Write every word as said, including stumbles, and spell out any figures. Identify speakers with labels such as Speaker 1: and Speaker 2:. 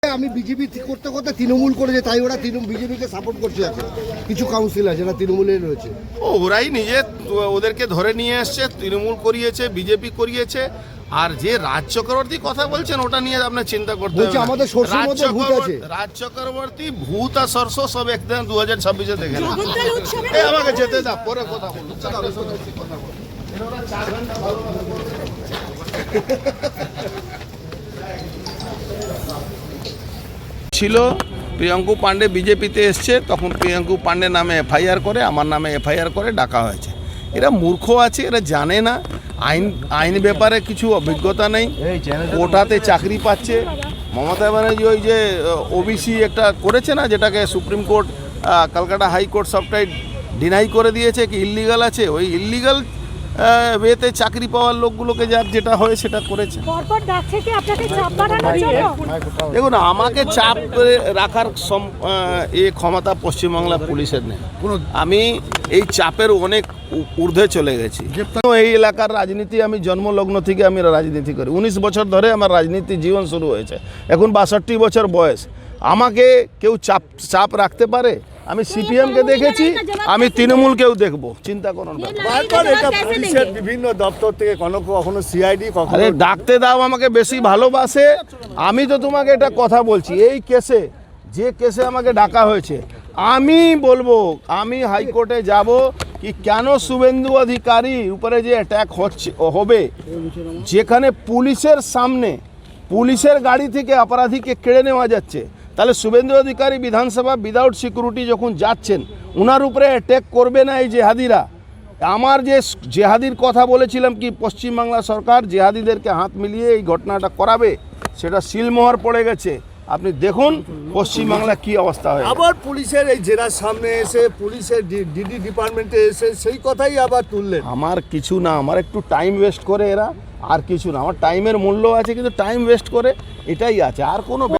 Speaker 1: আমি বিজেপি করতে করতে তৃণমূল করেছে, তাই ওরা বিজেপিকে সাপোর্ট করছে। এখন কিছু কাউন্সিলর যারা তৃণমূলের রয়েছে,
Speaker 2: ও ওরাই নিজে ওদেরকে ধরে নিয়ে এসছে, তৃণমূল করিয়েছে, বিজেপি করিয়েছে। আর যে রাজ চক্রবর্তী কথা বলছেন ওটা নিয়ে আপনার চিন্তা করতে হবে।
Speaker 1: আমাদের সরষের মধ্যে ভূত আছে।
Speaker 2: রাজ চক্রবর্তী ভূত আর সরষ সব একদম দু হাজার ছাব্বিশে দেখে না। আমাকে যেতে দাও, পরে কথা বলুন। ছিল প্রিয়াঙ্কু পাণ্ডে বিজেপিতে এসছে, তখন প্রিয়াঙ্কু পাণ্ডে নামে এফআইআর করে, আমার নামে এফআইআর করে ডাকা হয়েছে। এরা মূর্খ আছে, এরা জানে না আইন আইন ব্যাপারে কিছু অভিজ্ঞতা নেই। কোটাতে চাকরি পাচ্ছে। মমতা ব্যানার্জি ওই যে ওবিসি একটা করেছে না, যেটাকে সুপ্রিম কোর্ট কলকাতা হাইকোর্ট সবটাই ডিনাই করে দিয়েছে কি ইললিগাল আছে, ওই ইললিগাল ওয়েতে চাকরি পাওয়ার লোকগুলোকে যার যেটা হয় সেটা করেছে। দেখুন, আমাকে চাপ রাখার এ ক্ষমতা পশ্চিমবাংলা পুলিশের নেই। আমি এই চাপের অনেক ঊর্ধ্বে চলে গেছি। এই এলাকার রাজনীতি আমি জন্মলগ্ন থেকে আমি রাজনীতি করি, উনিশ বছর ধরে আমার রাজনীতি জীবন শুরু হয়েছে, এখন বাষট্টি বছর বয়স। আমাকে কেউ চাপ চাপ রাখতে পারে? আমি সিপিএমকে দেখেছি, আমি তৃণমূলকেও দেখবো, চিন্তা করুন।
Speaker 1: বিভিন্ন দপ্তর থেকে কখনো কখনো সিআইডি
Speaker 2: আরে ডাকতে দাও, আমাকে বেশি ভালোবাসে। আমি তো তোমাকে এটা কথা বলছি, এই কেসে যে কেসে আমাকে ডাকা হয়েছে, আমি বলবো আমি হাইকোর্টে যাব কি কেন শুভেন্দু অধিকারী উপরে যে অ্যাটাক হচ্ছে হবে, যেখানে পুলিশের সামনে পুলিশের গাড়ি থেকে অপরাধীকে কেড়ে নেওয়া যাচ্ছে, তাহলে শুভেন্দু অধিকারী বিধানসভা উইদাউট সিকিউরিটি যখন যাচ্ছেন, ওনার উপরে অ্যাটাক করবে না এই জেহাদিরা? আমার যে জেহাদির কথা বলেছিলাম কি পশ্চিমবাংলা সরকার জেহাদিদেরকে হাত মিলিয়ে এই ঘটনাটা করাবে, সেটা সিলমোহর পড়ে গেছে। আপনি দেখুন পশ্চিমবাংলা কি অবস্থা হয়।
Speaker 1: আবার পুলিশের এই জেরার সামনে এসে পুলিশের ডিডি ডিপার্টমেন্টে এসে সেই কথাই আবার তুললেন।
Speaker 2: আমার কিছু না, আমার একটু টাইম ওয়েস্ট করে এরা, আর কিছু না। আমার টাইমের মূল্য আছে, কিন্তু টাইম ওয়েস্ট করে এটাই আছে, আর কোনো